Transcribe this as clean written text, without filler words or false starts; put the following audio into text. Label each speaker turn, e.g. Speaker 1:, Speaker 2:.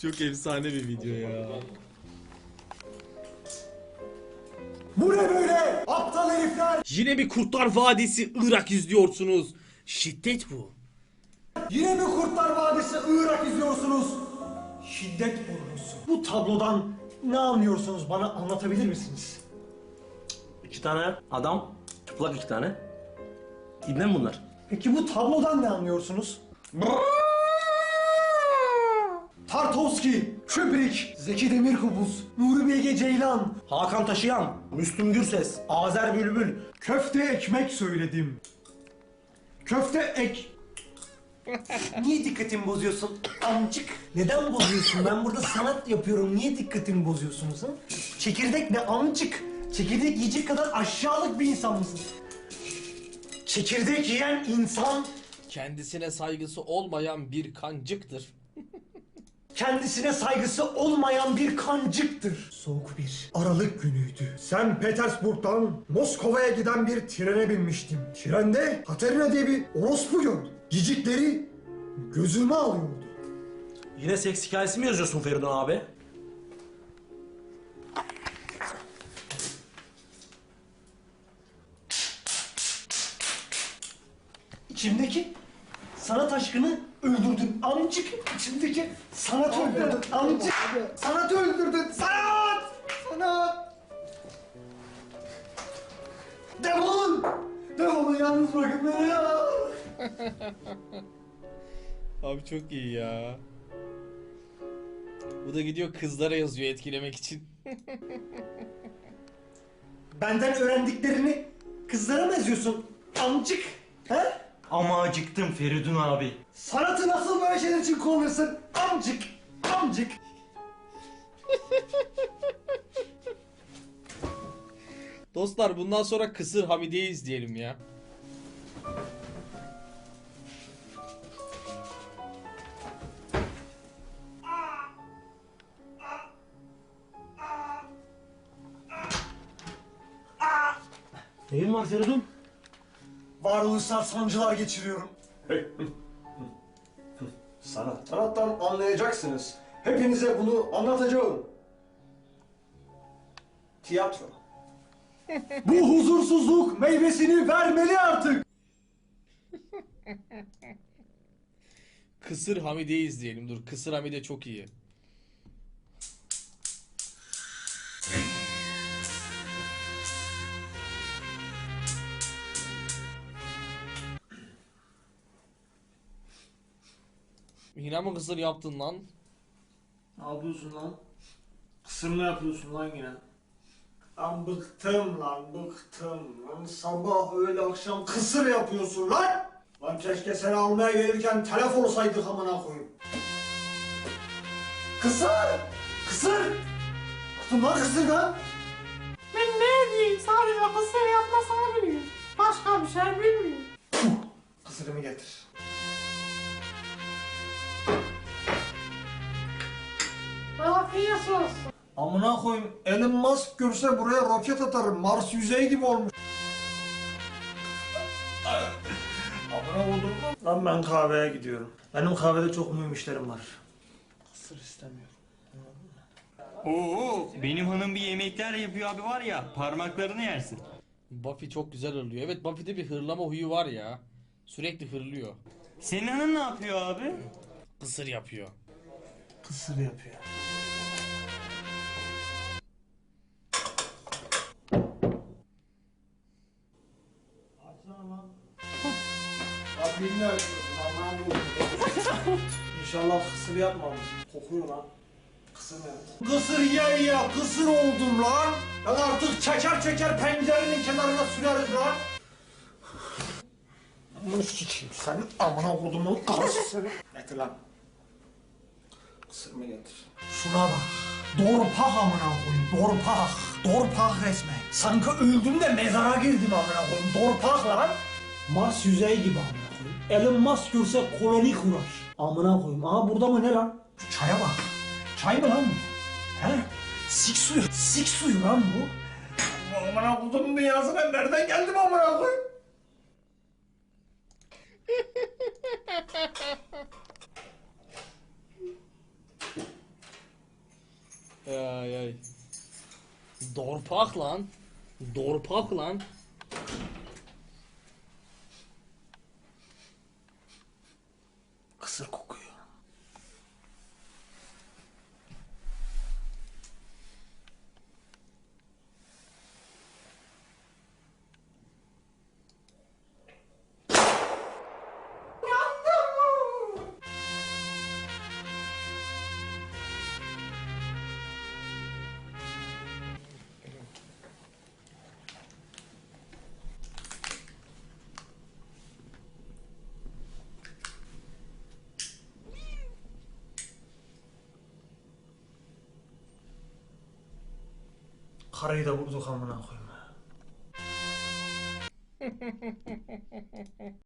Speaker 1: Çok efsane bir video ya.
Speaker 2: Bu ne böyle? Aptal herifler!
Speaker 1: Yine bir Kurtlar Vadisi Irak izliyorsunuz. Şiddet bu.
Speaker 2: Yine mi Kurtlar Vadisi Irak izliyorsunuz? Şiddet pornosu. Bu tablodan ne anlıyorsunuz, bana anlatabilir misiniz?
Speaker 3: İki tane adam, çıplak iki tane. İbne mi bunlar?
Speaker 2: Peki bu tablodan ne anlıyorsunuz? Tartovski, Kubrick, Zeki Demirkubuz, Nuri Bilge Ceylan,
Speaker 3: Hakan Taşıyan, Müslüm Gürses, Azer Bülbül.
Speaker 2: köfte ekmek söyledim. Köfte ek... Niye dikkatimi bozuyorsun amcık? Neden bozuyorsun? Ben burada sanat yapıyorum. Niye dikkatimi bozuyorsunuz ha? Çekirdek ne amcık? Çekirdek yiyecek kadar aşağılık bir insan mısın? Çekirdek yiyen insan
Speaker 1: Kendisine saygısı olmayan bir kancıktır.
Speaker 2: kendisine saygısı olmayan bir kancıktır. Soğuk bir Aralık günüydü. Sen Petersburg'dan Moskova'ya giden bir trene binmiştim. Trende Katerina diye bir orospu gördüm. Cicikleri gözüme alıyordu.
Speaker 3: Yine seks hikayesi mi yazıyorsun Feridun abi?
Speaker 2: İçimdeki sanat aşkını öldürdün amcık. İçimdeki sanatı öldürdün amcık. Sanatı öldürdün. Sanat! Sanat! Defolun! Defolun, yalnız bırakın beni ya.
Speaker 1: Abi çok iyi ya. Bu da gidiyor kızlara yazıyor etkilemek için.
Speaker 2: Benden öğrendiklerini kızlara mı yazıyorsun amcık? He?
Speaker 3: Ama acıktım Feridun abi.
Speaker 2: Sanatı nasıl böyle şeyler için kullanırsın amcık? Amcık.
Speaker 1: Dostlar bundan sonra Kısır Hamide'yi izleyelim ya.
Speaker 3: Neyin var Feridun?
Speaker 2: Varoluşsal sancılar geçiriyorum. Sanattan anlayacaksınız. Hepinize bunu anlatacağım. Tiyatro. Bu huzursuzluk meyvesini vermeli artık.
Speaker 1: Kısır Hamide'yi izleyelim. Dur, Kısır Hamide çok iyi. Yine mi kısır yaptın lan?
Speaker 2: Ne yapıyorsun lan? Kısır mı yapıyorsun lan yine? Lan bıktım lan, bıktım lan. Sabah öğle akşam kısır yapıyorsun lan! Lan keşke seni almaya gelirken telef olsaydık amına koyayım. Kısır! Kısır! Bıktım lan kısırdan!
Speaker 4: Ben ne diyeyim? Sadece kısır yapmasını biliyorum. Başka bir şey bilmiyorum.
Speaker 2: Kısırımı getir.
Speaker 4: Afiyet olsun.
Speaker 2: Amına koyayım, Elon Musk görse buraya roket atarım. Mars yüzeyi gibi olmuş. Amına koydum. Lan ben kahveye gidiyorum. Benim kahvede çok mühim işlerim var. Kısır istemiyorum.
Speaker 5: Oo, benim hanım bir yemekler yapıyor abi var ya, parmaklarını yersin.
Speaker 1: Buffy çok güzel hırlıyor. Evet, Buffy'de bir hırlama huyu var ya. Sürekli hırlıyor.
Speaker 5: Senin hanım ne yapıyor abi?
Speaker 1: Kısır yapıyor.
Speaker 2: Kısır yapıyor. Rabbimle İnşallah kısır yapmamış. Kokuyor lan. Kısır mı yaptı? Kısır ye, kısır oldum lan. Ben artık çeker pencerenin kenarına süreriz lan. Amına sikeyim senin amına kodumun karısı seni. Getir lan. Kısır mı getir? Şuna bak. Dorpak amına koyayım. Dorpak. Dorpak resmen. Sanki öldüm de mezara girdim amına koyayım. Dorpak lan. Mars yüzeyi gibi amına koyayım. Elon Musk görse koloni kurar. Amına koyayım. Aha burada mı ne lan? Şu çaya bak. Çay mı lan bu? He? Sik suyu. Sik suyu lan bu. Amına kodumun dünyasına nereden geldim amına koyayım?
Speaker 1: Dorpak lan. Dorpak lan.
Speaker 2: Kısır kokuyor. Karıyı da vurduk amına koyayım.